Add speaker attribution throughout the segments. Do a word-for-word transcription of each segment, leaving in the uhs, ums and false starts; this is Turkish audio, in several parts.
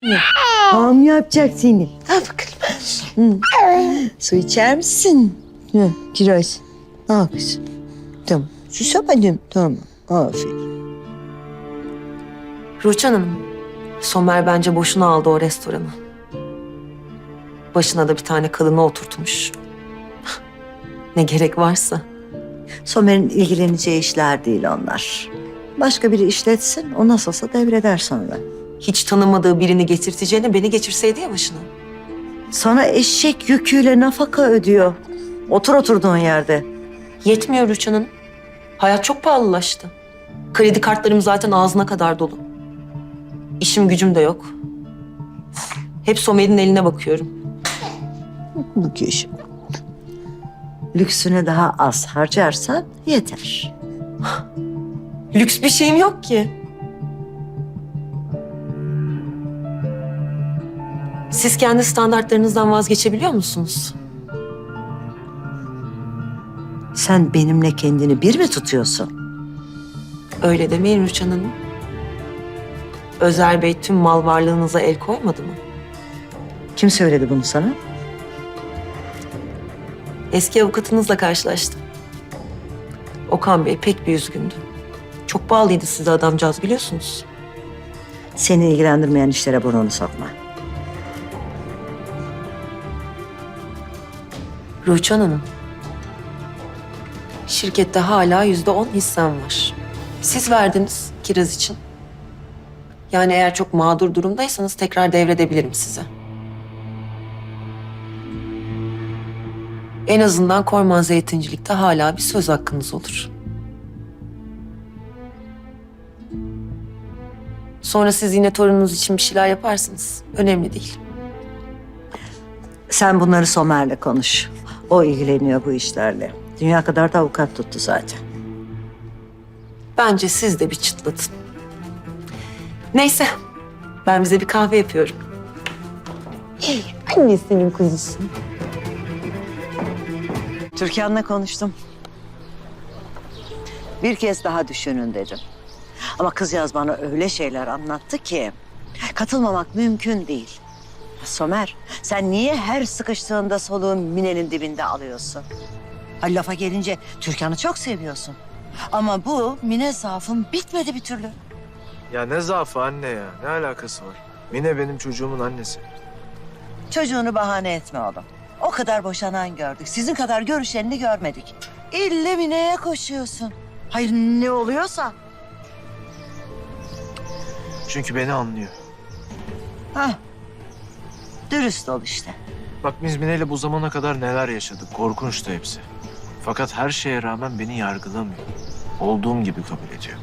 Speaker 1: Ağam yapacak seni. Al bakalım. Hı. Su içer misin? Hı, kiraz. Al kızım. Tamam. Susamadım. Tamam. Aferin.
Speaker 2: Rüçhan Hanım, Somer bence boşuna aldı o restoranı. Başına da bir tane kadını oturtmuş. Ne gerek varsa.
Speaker 1: Somer'in ilgileneceği işler değil onlar. Başka biri işletsin, o nasılsa devreder sonra.
Speaker 2: Hiç tanımadığı birini getirteceğine beni geçirseydi ya başına.
Speaker 1: Sana eşek yüküyle nafaka ödüyor. Otur oturduğun yerde.
Speaker 2: Yetmiyor Rüçhan Hanım. Hayat çok pahalılaştı. Kredi kartlarım zaten ağzına kadar dolu. İşim gücüm de yok. Hep Somer'in eline bakıyorum.
Speaker 1: Bu kişi. Lüksüne daha az harcarsan yeter.
Speaker 2: Lüks bir şeyim yok ki. Siz kendi standartlarınızdan vazgeçebiliyor musunuz?
Speaker 1: Sen benimle kendini bir mi tutuyorsun?
Speaker 2: Öyle demeyin Rüçhan Hanım. Özer Bey tüm mal varlığınıza el koymadı mı?
Speaker 1: Kim söyledi bunu sana?
Speaker 2: Eski avukatınızla karşılaştım. Okan Bey pek bir üzgündü. Çok bağlıydı size adamcağız biliyorsunuz.
Speaker 1: Seni ilgilendirmeyen işlere burnunu sokma.
Speaker 2: Rüçhan Hanım, şirkette hala yüzde on hissem var. Siz verdiniz kiraz için. Yani eğer çok mağdur durumdaysanız tekrar devredebilirim size. En azından Korman Zeytincilik'te hala bir söz hakkınız olur. Sonra siz yine torununuz için bir şeyler yaparsınız. Önemli değil.
Speaker 1: Sen bunları Somer'le konuş. O ilgileniyor bu işlerle. Dünya kadar da avukat tuttu zaten.
Speaker 2: Bence siz de bir çıtlatın. Neyse, ben bize bir kahve yapıyorum. Hey, annesinin kuzusu.
Speaker 1: Türkan'la konuştum. Bir kez daha düşünün dedim. Ama kızcağız bana öyle şeyler anlattı ki katılmamak mümkün değil. Somer, sen niye her sıkıştığında soluğun Mine'nin dibinde alıyorsun? Ha, lafa gelince Türkan'ı çok seviyorsun. Ama bu Mine zaafın bitmedi bir türlü.
Speaker 3: Ya ne zaafı anne ya? Ne alakası var? Mine benim çocuğumun annesi.
Speaker 1: Çocuğunu bahane etme oğlum. O kadar boşanan gördük. Sizin kadar görüşenini görmedik. İlle Mine'ye koşuyorsun. Hayır ne oluyorsa.
Speaker 3: Çünkü beni anlıyor.
Speaker 1: Hah. Dürüst ol işte.
Speaker 3: Bak biz Mine'yle bu zamana kadar neler yaşadık. Korkunçtu hepsi. Fakat her şeye rağmen beni yargılamıyor. Olduğum gibi kabul ediyor.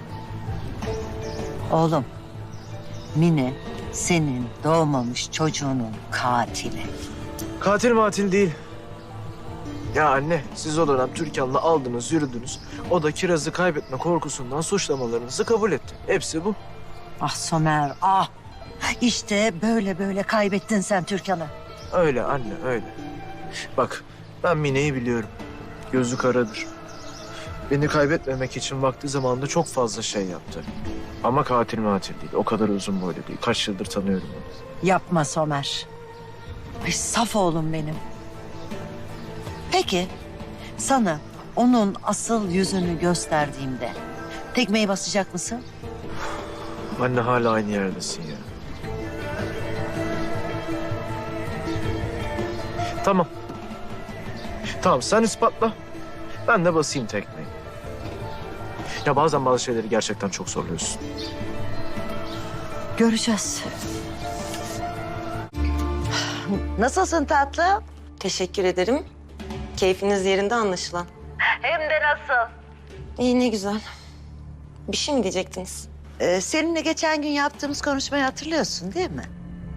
Speaker 1: Oğlum, Mine senin doğmamış çocuğunun katili.
Speaker 3: Katil matil değil. Ya anne siz o dönem Türkan'la aldınız yürüdünüz. O da kirazı kaybetme korkusundan suçlamalarınızı kabul etti. Hepsi bu.
Speaker 1: Ah Somer, ah. İşte böyle böyle kaybettin sen Türkan'ı.
Speaker 3: Öyle anne öyle. Bak ben Mine'yi biliyorum. Gözü karadır. Beni kaybetmemek için vakti zamanında çok fazla şey yaptı. Ama katil matil değil. O kadar uzun boylu değil. Kaç yıldır tanıyorum onu.
Speaker 1: Yapma Somer. Ay saf oğlum benim. Peki sana onun asıl yüzünü gösterdiğimde tekmeyi basacak mısın?
Speaker 3: Anne hala aynı yerdesin ya. Tamam. Tamam sen ispatla. Ben de basayım tekmeyi. Ya bazen bazı şeyleri gerçekten çok zorluyorsun.
Speaker 1: Göreceğiz. Nasılsın tatlım?
Speaker 2: Teşekkür ederim. Keyfiniz yerinde anlaşılan.
Speaker 1: Hem de nasıl?
Speaker 2: İyi ne güzel. Bir şey mi diyecektiniz?
Speaker 1: Ee, seninle geçen gün yaptığımız konuşmayı hatırlıyorsun değil mi?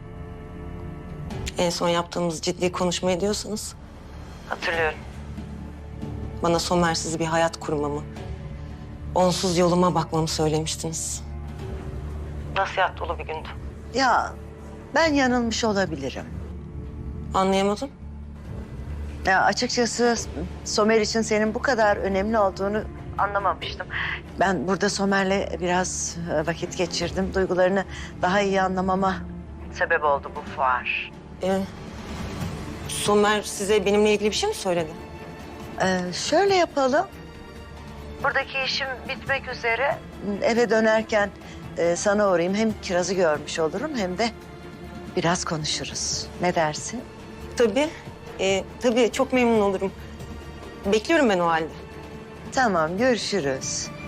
Speaker 2: En son yaptığımız ciddi konuşmayı diyorsanız.
Speaker 1: Hatırlıyorum.
Speaker 2: Bana Somer'siz bir hayat kurmamı, onsuz yoluma bakmamı söylemiştiniz. Nasihat dolu bir gündü.
Speaker 1: Ya ben yanılmış olabilirim.
Speaker 2: Anlayamadım.
Speaker 1: Ya açıkçası Somer için senin bu kadar önemli olduğunu anlamamıştım. Ben burada Somer'le biraz vakit geçirdim. Duygularını daha iyi anlamama sebep oldu bu fuar.
Speaker 2: Ee, Somer size benimle ilgili bir şey mi söyledi?
Speaker 1: Ee, şöyle yapalım. Buradaki işim bitmek üzere. Eve dönerken e, sana uğrayayım. Hem Kiraz'ı görmüş olurum hem de biraz konuşuruz. Ne dersin?
Speaker 2: Tabii. Ee, tabii çok memnun olurum. Bekliyorum ben o halde.
Speaker 1: Tamam, görüşürüz.